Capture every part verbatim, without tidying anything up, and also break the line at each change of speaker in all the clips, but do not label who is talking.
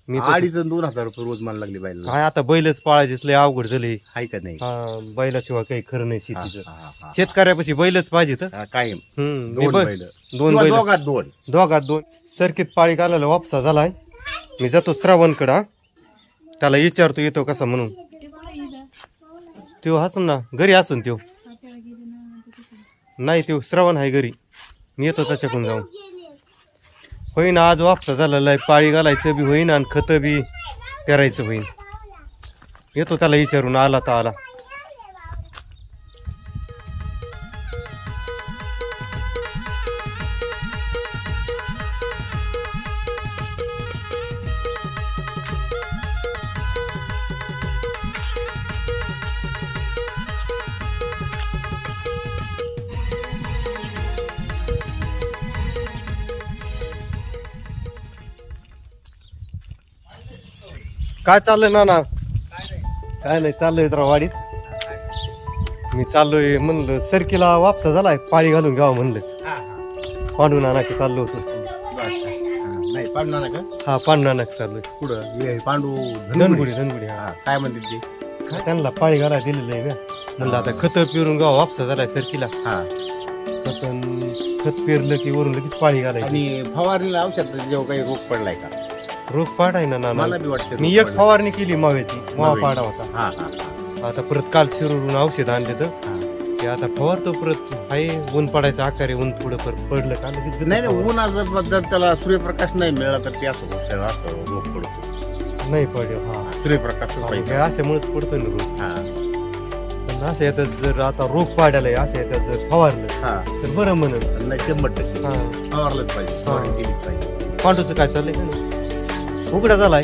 मी तर-
अडीच आणि दोन हजार रुपये रोज मला लागली बायला.
काय आता बैलच पाळायचे लय अवघड झाले.
आहे का नाही?
हा बैलाशिवाय काही खरं नाही
हा,
शेतीचं.
हा, हा, हा.
शेतकऱ्यापाशी बैलच पाहिजे तर
हा, कायम
हम्म मी
दोन
बै-
बैल
दोन
किंवा
बैल
दोघात दोन.
दोघात दोन सरकीत पाळी घालायला वापसा झालाय. मी जातो श्रावणकडा त्याला विचारतो येतो कसा म्हणून. त्यो हसून ना घरी असून त्यो नाही त्यो श्रावण आहे घरी. मी येतो त्याच्याकडून जाऊन. होईन आज वापसा झालेला आहे. पाळी घालायचं बी होईन आणि खत बी पेरायचं होईन. येतो त्याला विचारून आला तर आला. काय चाललंय नाना? काय नाही चाललंय जरा वाडीत. मी चाललोय म्हणलं सरकीला वापसा झालाय पाळी घालून घ्यावं म्हणलं.
हा, हा.
पांडू नाना की चाललो होतो.
बस. हा, नाही पांडू नाना का?
हा पांडू नाना की चाललोय.
पुढं हे पांडू
धनगुडी धनगुडी हा.
हा, काय म्हणते ते?
काय त्यांना पाळी घालायला दिलेलं आहे ना. म्हणलं आता खत पेरून घ्यावं वापसा झालाय सरकीला.
हा.
खत खत पेरलं की वरून लगेच पाळी घालायची.
आणि फवारणीला औषध जेव्हा काही रोग पडलाय का?
रोग पाडाय ना नाना.
मला बी वाटतं
मी
रोग
एक
पडलाय.
फवारणी केली माव्याची. मावा
माव्याची.
पाडा होता.
हा हा हा,
आता परत काल शिरूरून औषध आणले तर
हा.
ते आता फवारतो परत. आहे ऊन पडायचं आकारे ऊन थोडं परत पडलं का लगेच
नाही नाही उन्हाचं बद्दल त्याला सूर्यप्रकाश नाही मिळाला तर ते असं होतं, असं रोग पडतो.
नाही पडेल. हा
सूर्यप्रकाश पाहिजे.
अशामुळेच पडतोय ना रोग.
हा
पण असं याच्यात जर आता रोग पाडायला असं याच्यात जर फवारलं
हा
तर बरं म्हणून.
नाही शंभर टक्के
हा
फवारलंच पाहिजे. फवारणी केलीच पाहिजे.
पांडूचं काय चाललंय का नाही? उघडा झालाय.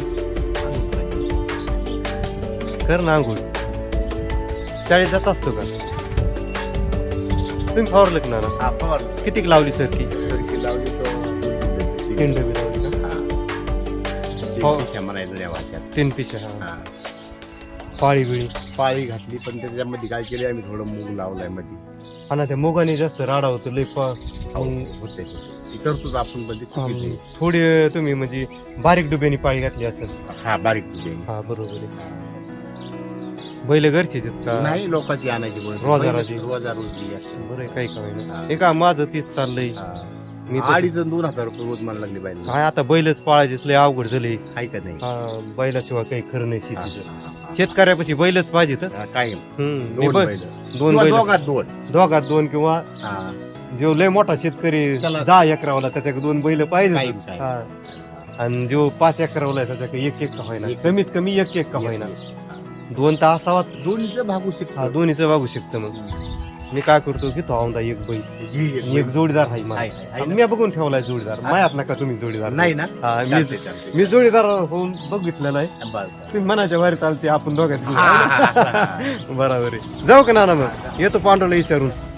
कर ना आंघोळ. शाळेत जात असतो का तुम्ही? फवारलं का ना?
हा फवारलं.
कितीक लावली सर की?
सरकी लावली तर
तीन डबी लावली का?
हा.
हो.
तीन पिशा म्हणायचं या भाषेत.
तीन पिशा. हा
हा.
पाळी बिळी
पाळी घातली पण त्याच्यामध्ये काय केले आम्ही थोडं मूग लावलाय मध्ये.
हा ना त्या मुगाने जास्त राडा होतो लय. पा-
मग होते ती करतोच आपण म्हणजे चुकीची.
थोडी तुम्ही म्हणजे बारीक डुब्यानी पाळी घातली असेल.
हा बारीक तुझे
हा बरोबर आहे. बैल घरचीच आहेत का?
नाही लोकांची आणायची गोष्ट.
रोजाराची.
रोजारोजी असं.
बरं आहे, काही का
हा.
होईना. हे का माझं तीच चाललंय.
हा.
मी तर-
अडीच आणि दोन हजार रुपये रोज मला लागली बायला.
काय आता बैलच पाळायचेच लय अवघड झाले.
आहे का नाही?
हा बैलाशिवाय काही खरं नाही
हा,
शेतीचं.
हा, हा.
शेतकऱ्यापाशी बैलच पाहिजे तर
हा, कायम
हम्म मी
दोन
बै-
बैल.
दोन
किंवा
बैल
दोघात दोन.
दोघात दोन किंवा
हा.
जो लय मोठा शेतकरी
त्याला-
दहा एकरावाला त्याच्याकडे दोन बैल पाहिजे.
कायम, कायम.
आणि जो पाच एकरावाला आहे त्याच्याकडे एक एक का होईना.
एक-
कमीत कमी एक एक का होईना. दोन तर असावा.
दोन्हीचं भागू शकतो.
हा दोन्हीचं वागू शकतं. मग मी काय करतो घेतो औंदा एक बैल
ही एक
आणि एक
बैल.
जोडीदार आहे मला.
आहे, आहे, आहे ना?
मी बघून ठेवलाय जोडीदार.
हा.
मायात नका तुम्ही जोडीदार.
नाही ना?
हा, मी
चालतंय, चालतंय.
मी जोडीदार होऊन बघितलेला आहे.
बरं, बरं.
तुम्ही मनाच्या बाहेर चालते आपण दोघांत
हा, हा, हा, हा.
बरोबर आहे. जाऊ का नाना मग? येतो पांडवला विचारून.